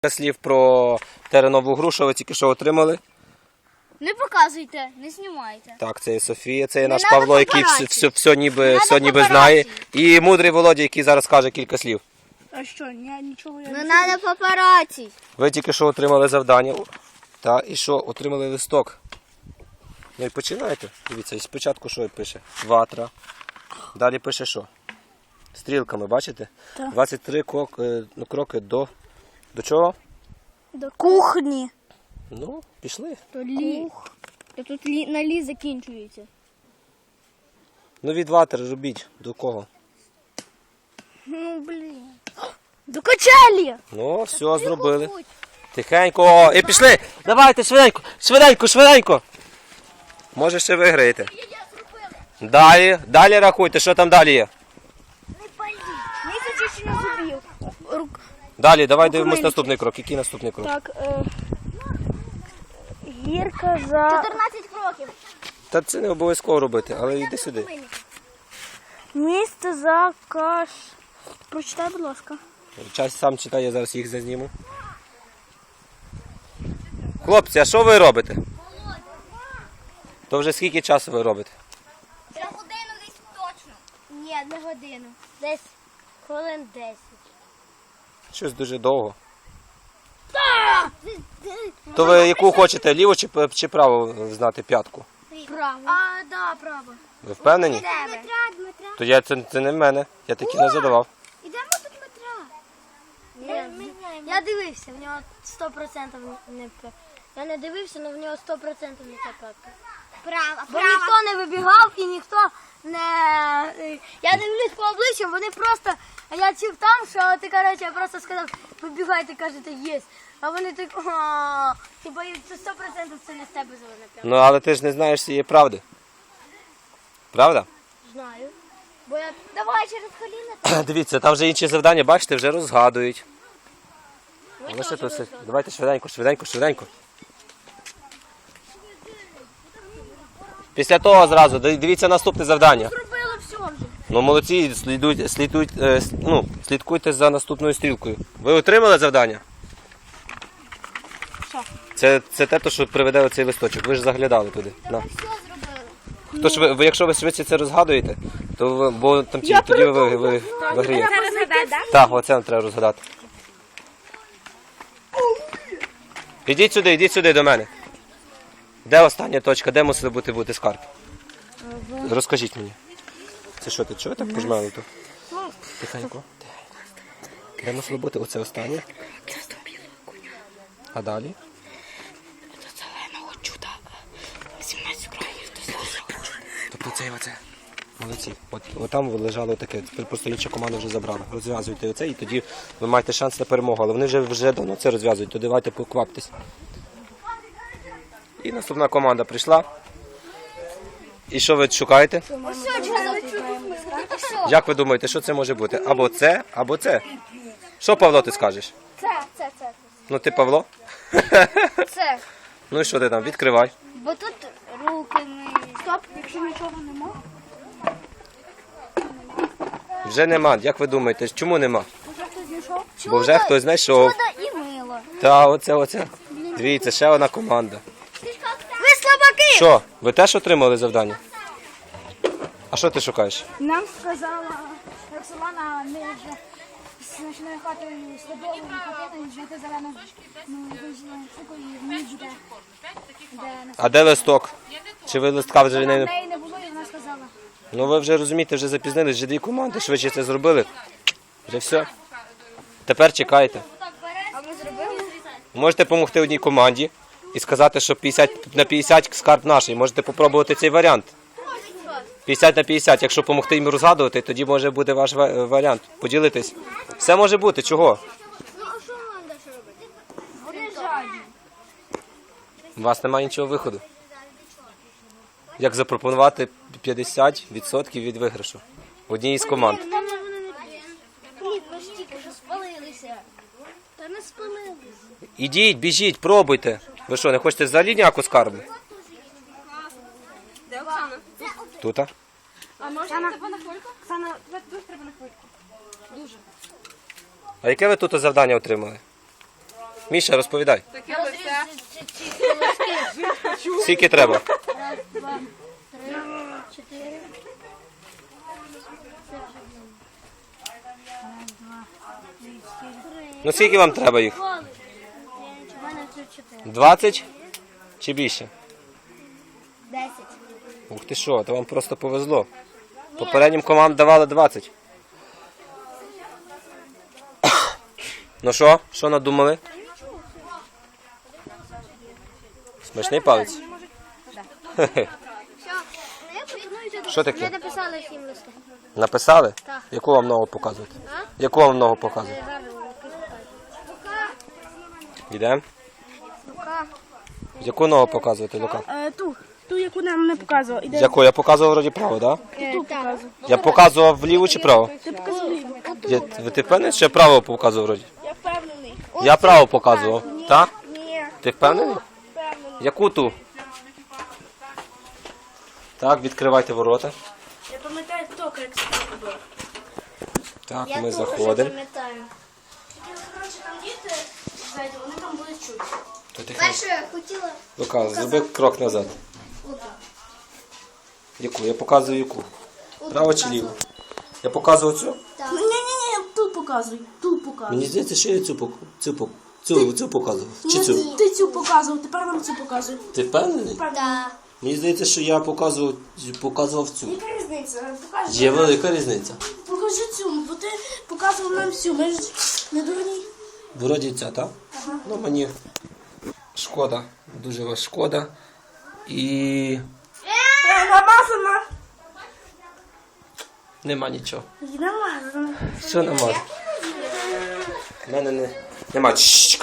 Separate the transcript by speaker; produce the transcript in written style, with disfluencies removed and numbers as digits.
Speaker 1: Слів про теренову гру, що ви тільки що отримали.
Speaker 2: Не показуйте, не знімайте.
Speaker 1: Так, це є Софія, це є наш
Speaker 2: надо
Speaker 1: Павло, який все ніби знає. І мудрий Володя, який зараз каже кілька слів.
Speaker 3: А що, нічого я
Speaker 2: Не треба папараці.
Speaker 1: Ви тільки що отримали завдання. Та, і що? Отримали листок. Ну і починаєте. Дивіться, і спочатку що пише? Ватра. Далі пише що? Стрілками, бачите?
Speaker 3: Так.
Speaker 1: 23 кроки до... До чого?
Speaker 3: до кухні.
Speaker 1: Ну, пішли.
Speaker 2: То тут на лі закінчується.
Speaker 1: Ну від ватри робіть. До кого?
Speaker 2: Ну, блін.
Speaker 3: До качелі.
Speaker 1: Ну, все, зробили. Тихенько. І пішли. Давайте, швиденько, швиденько, швиденько. Може ще виграєте. Далі рахуйте, що там далі є.
Speaker 3: Місяць ще не зубів.
Speaker 1: Далі, давай дивимось наступний крок. Який наступний крок?
Speaker 3: Так, гірка за...
Speaker 2: 14 кроків.
Speaker 1: Та це не обов'язково робити, але йди сюди.
Speaker 3: Місце за каш... Прочитай, будь ласка.
Speaker 1: Час сам читає, я зараз їх зазніму. Хлопці, а що ви робите? То вже скільки часу ви робите?
Speaker 2: За годину десь точно. Ні, не годину. Десь хвилин 10.
Speaker 1: Щось дуже довго. То ви яку хочете, ліву чи праву знати п'ятку?
Speaker 2: Право. А, да, право.
Speaker 1: Ви впевнені?
Speaker 2: Дмитра.
Speaker 1: То це не в мене, я таки не задавав.
Speaker 2: Ідемо до Дмитра. Я дивився, в нього 100% не п'ятка. Я не дивився, але в нього 100% не ця п'ятка. Право. Бо ніхто не вибігав і ніхто не... Я дивлюсь по обличчям, вони просто... А я чув там, що ти, коротше, я просто сказав, вибігайте, кажете, єсть. А вони так, типа, це 100% це не з тебе зелена п'ятка.
Speaker 1: Ну, але ти ж не знаєш цієї правди. Правда?
Speaker 2: Знаю. Бо я... Давай через коліна.
Speaker 1: Дивіться, там вже інші завдання, бачите, вже розгадують. Лише тут все. Давайте швиденько, швиденько, швиденько. Після того зразу, дивіться наступне завдання.
Speaker 2: Зробили все вже.
Speaker 1: Ну, молодці, слідкуйте за наступною стрілкою. Ви отримали завдання?
Speaker 3: Що?
Speaker 1: Це те, що приведе оцей листочок. Ви ж заглядали туди. На.
Speaker 2: Все зробили.
Speaker 1: Тож якщо ви швидше це розгадуєте, то бо там тоді ви виграєте. Так, оце нам треба розгадати. Ідіть сюди до мене. Де остання точка? Де мусили бути скарб? Розкажіть мені. Це що, ти чого так пожмали тут? Тихенько. Де мусило бути оце останнє? А далі?
Speaker 3: Зеленого чуда. 17 кроків до зеленого.
Speaker 1: Тобто оце. Молодці. От там лежало таке, просто інша команда вже забрала. Розв'язуйте оце і тоді ви маєте шанс на перемогу. Але вони вже давно це розв'язують, то давайте покваптесь. І наступна команда прийшла. І що ви шукаєте? Як ви думаєте, що це може бути? Або це, або це. Що, Павло, ти скажеш?
Speaker 2: Це.
Speaker 1: Ну ти Павло?
Speaker 2: Це.
Speaker 1: Ну і що ти там? Відкривай.
Speaker 2: Бо тут руки миють.
Speaker 3: Стоп, якщо нічого нема.
Speaker 1: Вже нема. Як ви думаєте, чому нема?
Speaker 3: Вже хтось знайшов?
Speaker 1: Бо вже хтось знайшов.
Speaker 2: Чудо і мило.
Speaker 1: Та, оце. Дивіться, ще одна команда.
Speaker 2: Ви слабаки!
Speaker 1: Що, ви теж отримали завдання? А що ти шукаєш?
Speaker 3: Нам сказала Роксолана, ми вже з ночною хатою слідовою хатиною знайти зелену штуку і вниз де нас.
Speaker 1: А де листок? Чи ви листка вже
Speaker 3: В
Speaker 1: не...
Speaker 3: неї не було і вона сказала.
Speaker 1: Ну ви вже розумієте, вже запізнились, вже дві команди швидше це зробили. Вже все. Тепер чекайте.
Speaker 2: А ми зробили?
Speaker 1: Можете допомогти одній команді і сказати, що 50 на 50 скарб наш. Можете спробувати цей варіант. 50 на 50. Якщо допомогти їм розгадувати, тоді може бути ваш варіант. Поділитись. Все може бути. Чого?
Speaker 2: Ну, а що нам далі робити?
Speaker 3: Вони жадні.
Speaker 1: У вас немає іншого виходу. Як запропонувати 50% від виграшу одній із команд.
Speaker 2: Там вони не Ні, ми ж тільки що спалилися. Та не спалилися.
Speaker 1: Ідіть, біжіть, пробуйте. Ви що, не хочете взагалі ніяку скарбу?
Speaker 2: Де Оксана?
Speaker 1: Тут?
Speaker 3: А можна тебе на хвильку? Оксана, тут треба на хвильку. Дуже.
Speaker 1: А яке ви тут завдання отримали? Міша, розповідай.
Speaker 2: Розрізати ці колоски.
Speaker 1: Скільки треба?
Speaker 2: Раз, два, три, чотири.
Speaker 1: Ну скільки вам треба їх?
Speaker 2: У мене тут 4.
Speaker 1: 20 чи більше?
Speaker 2: 10.
Speaker 1: Ух ти що, то вам просто повезло. Попереднім командам давали 20. Ну що? Що надумали? Смачний палець? Що таке?
Speaker 2: Ми написали 7 листів.
Speaker 1: Написали?
Speaker 2: Так.
Speaker 1: Яку вам ногу показувати?
Speaker 2: А?
Speaker 1: Яку вам ногу показувати? Йдемо?
Speaker 2: Рука.
Speaker 1: Яку ногу показувати, Лука?
Speaker 3: Ту, яку нам не показував. Іде
Speaker 1: Яку? Я показував вроді право, так?
Speaker 3: ту показував.
Speaker 1: Я показував вліво чи право?
Speaker 3: Ти показував ліву.
Speaker 1: Ти впевнений, що я право показував вроді?
Speaker 3: Я впевнений.
Speaker 1: Я право показував. Так?
Speaker 3: Ні,
Speaker 1: Ти впевнений?
Speaker 3: впевнений.
Speaker 1: Яку ту? Так, відкривайте ворота.
Speaker 3: Я пам'ятаю тільки, як це було.
Speaker 1: Так, ми заходимо.
Speaker 2: пам'ятаю.
Speaker 3: Коротше, там діти ззаді, вони там будуть чути.
Speaker 1: То тихо.
Speaker 2: Перше я хотіла.
Speaker 1: Лука, зроби крок назад. Яку? Я показую яку. Право чи ліво? Я показував цю?
Speaker 3: Ні, тут показуй, тут показуй.
Speaker 1: Мені здається, що я цю показував. Чи цю?
Speaker 3: Ти цю показував, тепер нам цю показуй.
Speaker 1: Ти впевнений?
Speaker 2: Так.
Speaker 1: Мені здається, що я показував цю.
Speaker 3: Яка різниця? Покажи.
Speaker 1: Є велика різниця.
Speaker 3: Покажи цю, бо ти показував нам всю, ми ж не дурні.
Speaker 1: Вроді ця, так? Ну мені шкода, дуже вас шкода. І
Speaker 3: Намазана.
Speaker 1: нема нічого.
Speaker 3: Намазана.
Speaker 1: Що нема? В мене нема.